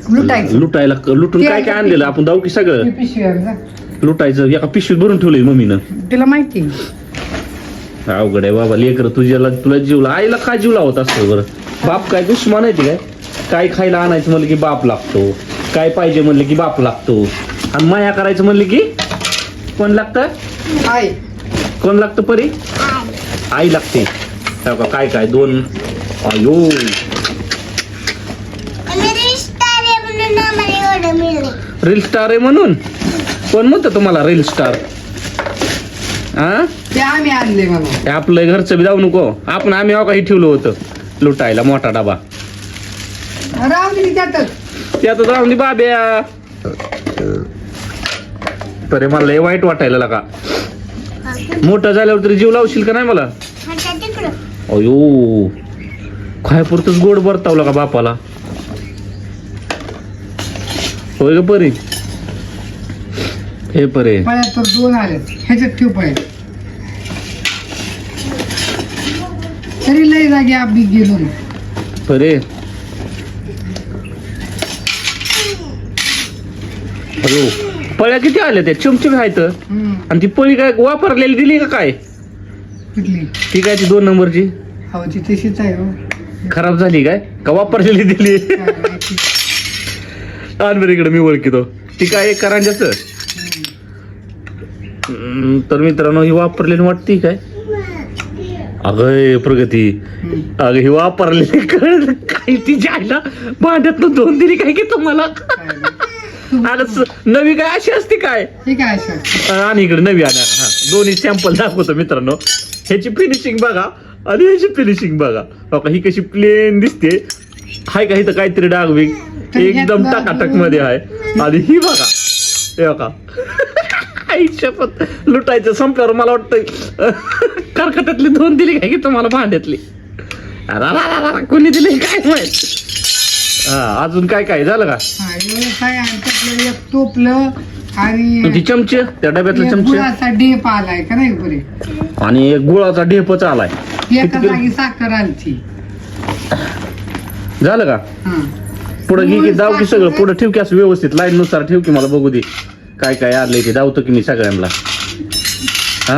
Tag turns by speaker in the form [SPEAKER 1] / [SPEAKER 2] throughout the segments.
[SPEAKER 1] लुटायला लुटून काय काय आणलेलं आपण जाऊ की सगळं लुटायचं एका पिशवीत भरून ठेवलंय मम्मीनं.
[SPEAKER 2] तिला माहिती
[SPEAKER 1] अवघड आहे बाबा लेकर तुला जीवला आईला काय जीव लावत असतो बरं. बाप काय दुश्मन आहे ते काय खायला आणायचं म्हणलं की बाप लागतो, काय पाहिजे म्हणलं की बाप लागतो, आणि माया करायचं म्हणलं की कोण लागतं?
[SPEAKER 2] आई.
[SPEAKER 1] कोण लागतं परी? आई लागते. काय काय दोन अयो रील स्टार आहे म्हणून कोण म्हणतं तुम्हाला रील स्टार?
[SPEAKER 2] ते आम्ही आणले मला.
[SPEAKER 1] आपलं घरचं बी जाऊ नको आपण आम्ही काही ठेवलं होतं लुटायला मोठा डबा त्यात जाऊन दे बाब्या. तरी मला लय वाईट वाटायला लागा. मोठं झाल्यावर तरी जीव लावशील का नाही मला? अयो काय पुरतच गोड बरतावला का बापाला? होय ग परी? हे परे
[SPEAKER 2] तर दोन आले ह्याच्यात ठेव पळे तरी लय जागे आम्ही गेलो
[SPEAKER 1] परे. अयो पळ्या किती आल्या त्या चमचे आहेत आणि ती पळी काय वापरलेली दिली का काय? ती काय ती 2 नंबरची
[SPEAKER 2] हो ती तशीच आहे हो.
[SPEAKER 1] खराब झाली काय का वापरलेली दिली? आण बरं इकडे मी ओळखीतो. ती काय करंजाच तर मित्रांनो ही वापरलेली वाटती काय? अगं प्रगती अगं ही वापरलेली कळ काय ती जायला भांड्यात 2 दिली काय की तुम्हाला? अगं नवी काय अशी असते काय? आणि इकडे नवी आणा. हा दोन्ही सॅम्पल दाखवतो मित्रांनो. ह्याची फिनिशिंग बघा आणि ह्याची फिनिशिंग बघा. बघा ही कशी प्लेन दिसते हाय का? इथं काहीतरी डागवी एकदम टाकाटक मध्ये आहे आणि ही बघा हे बघा शपथ लुटायचं संपल्यावर मला वाटतं कर्कटातली 2 दिली काय की तुम्हाला भांड्यातली? कोणी दिली काय माहित? हा अजून काय काय झालं का?
[SPEAKER 2] टोपलं आणि
[SPEAKER 1] चमचे त्या डब्यातले चमचे
[SPEAKER 2] गुळाचा ढेप आलाय का नाही बरे
[SPEAKER 1] आणि एक गुळाचा ढेपच आलाय.
[SPEAKER 2] एका जागी साखर आलती.
[SPEAKER 1] झालं का? पुढे घे की जाऊ की सगळं पुढे ठेव की असं व्यवस्थित लाईन नुसार ठेव की मला बघू दे काय काय आलंय ते धावतो की मी सगळ्यांना. हा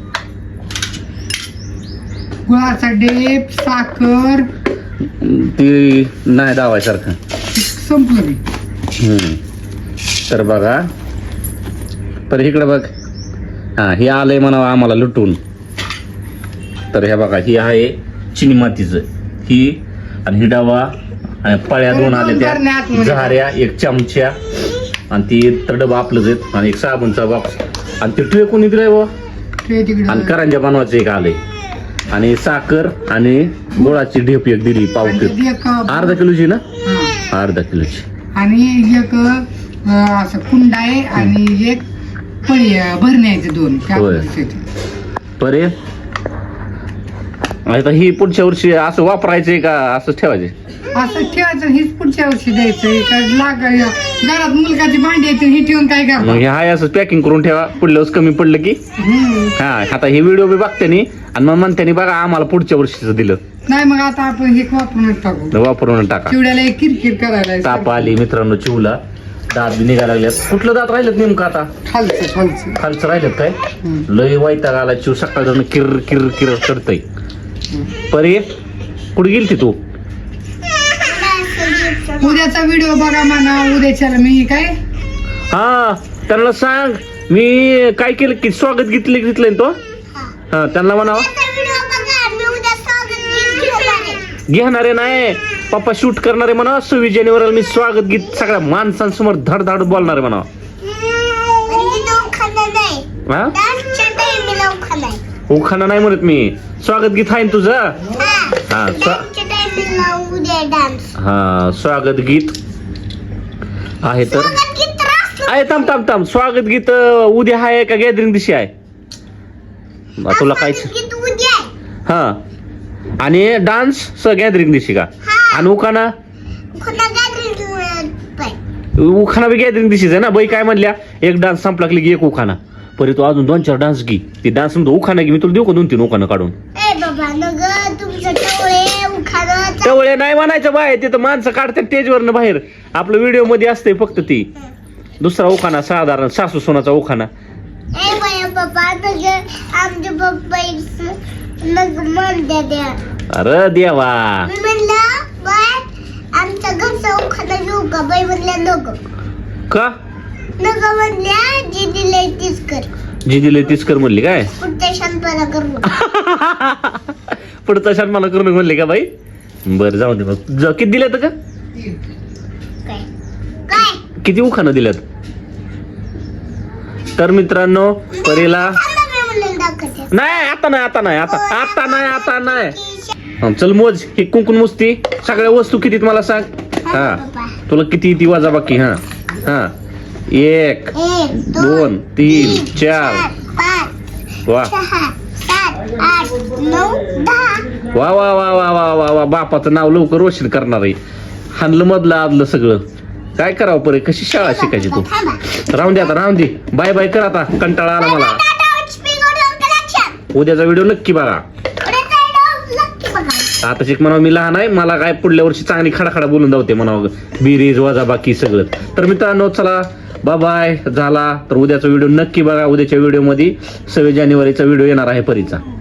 [SPEAKER 2] गुळाचा ढेप साखर
[SPEAKER 1] ती नाही धावायसारखं
[SPEAKER 2] संपलं.
[SPEAKER 1] तर बघा तर इकडे बघ. हा हे आलंय म्हणावं आम्हाला लुटून. तर हे बघा ही आहे चिनी मातीचं ही आणि ही डावा आणि पळ्या 2 आल्या त्या झाऱ्या 1 चमच्या आणि ती डबा आपलंच आहेत आणि 1 साबणचा बॉक्स आणि ते ट्रे कोणी दिलाय व आणि करंजा बनवायचं एक आलंय आणि साखर आणि गोळाची ढेप 1 दिली पाव किलो अर्धा किलोची ना अर्धा किलोची
[SPEAKER 2] आणि एक असं कुंड आहे आणि एक पळी भरण्याचे 2
[SPEAKER 1] परे. आता ही पुढच्या वर्षी असं वापरायचंय का असंच ठेवायचे?
[SPEAKER 2] असं ठेवायचं हीच पुढच्या वर्षी द्यायचं घरात मुलगाची भांडी येते ही ठेवून काय करा.
[SPEAKER 1] मग हाय असं पॅकिंग करून ठेवा पुढल्या वर्षी कमी पडलं की. हा आता हे व्हिडिओ बी बघते नी आणि मग म्हणते बघा आम्हाला पुढच्या वर्षीच दिलं
[SPEAKER 2] नाही मग आता आपण हे वापरूनच टाकू.
[SPEAKER 1] वापरून टाका.
[SPEAKER 2] चिवड्याला किरकिर करायला
[SPEAKER 1] ताप आली मित्रांनो चिवला दात बी निघायला लागल्यात. कुठलं दात राहिलं नेमकं आता? खालचं राहिलं काय? लय वैताग आला चिव सकाळ किर किर किर करतय. परे कुठे गेलती तू?
[SPEAKER 2] उद्याचा व्हिडिओ बघा म्हणा उद्याच्याला मी काय
[SPEAKER 1] हा त्यांना सांग मी काय केलं की स्वागत घेतलंय तो. हा त्यांना म्हणावं घेणारे नाही पप्पा शूट करणारे म्हणा 26 जानेवारीला मी स्वागत गीत सगळ्या माणसांसमोर धड धड बोलणारे म्हणा. उखाणा नाही म्हणत मी स्वागत गीत आहे तुझं. हा स्वागत गीत आहे तर आहे. थांब स्वागत गीत उद्या आहे का गॅदरिंग दिवशी आहे? तुला काय हा आणि डान्स गॅदरिंग दिवशी का? आणि उखाणा बी गॅदरिंग दिवशीच आहे ना. बाई काय म्हणल्या 1 डान्स संपला की 1 उखाणा परी तू अजून 2-4 डान्स घे. ती डान्स म्हणतो उखाणा घे मी तुला देऊ का 2-3 उखाणा काढून? टवळे नाही म्हणायचं बाहेर, तिथं माणसं काढतात स्टेजवरनं बाहेर. आपलं व्हिडिओ मध्ये असते फक्त ती. दुसरा उखाणा साधारण सासू सोनाचा उखाणा.
[SPEAKER 3] आमचे पप्पा मग म्हणते द्या.
[SPEAKER 1] अरे देवा,
[SPEAKER 3] मी म्हणलं बाय आमच्या घरचा उखाणा घेऊ का? बाई म्हणल्या नको.
[SPEAKER 1] का
[SPEAKER 3] नको म्हणल्या, जी दिलंय तीच कर.
[SPEAKER 1] जी दिले तीच कर म्हणली काय?
[SPEAKER 3] कुठे शांतपणा करू नका.
[SPEAKER 1] पुढचा शान मला करून म्हणले का बाई? बरं जाऊ दे मग. किती दिल्यात का?
[SPEAKER 3] काय काय
[SPEAKER 1] किती उखाणं दिल्यात? तर मित्रांनो परीला
[SPEAKER 3] थांबा, मी म्हणलं दाखवते.
[SPEAKER 1] नाही, आता नाही, आता नाही, आता नाही. हं, चल मोज. हे कुंकुन मुसती सगळ्या वस्तू कितीत मला सांग. हा, तुला किती ती वाजा बाकी. हा हा, 1 2 3 4
[SPEAKER 3] 5
[SPEAKER 1] वा
[SPEAKER 3] 6 7 8 9 10.
[SPEAKER 1] वा वा वा वा वा वा वा. बापाचं नाव लवकर रोशन करणार आहे. हाणलं मधलं आदलं सगळं. काय करावं परे, कशी शाळा शिकायची तू? राहून दे आता, राहून दे. बाय बाय कर आता, कंटाळा आला मला. उद्याचा व्हिडिओ नक्की बघा. आता शिक म्हणावं मी लहान आहे, मला काय पुढल्या वर्षी चांगली खडाखडा बोलून धावते म्हणावं, बिरीज वाजा बाकी सगळं. तर मित्रांनो चला बाय बाय. झाला तर उद्याचा व्हिडिओ नक्की बघा. उद्याच्या व्हिडिओ मध्ये 26 जानेवारीचा व्हिडिओ येणार आहे परीचा.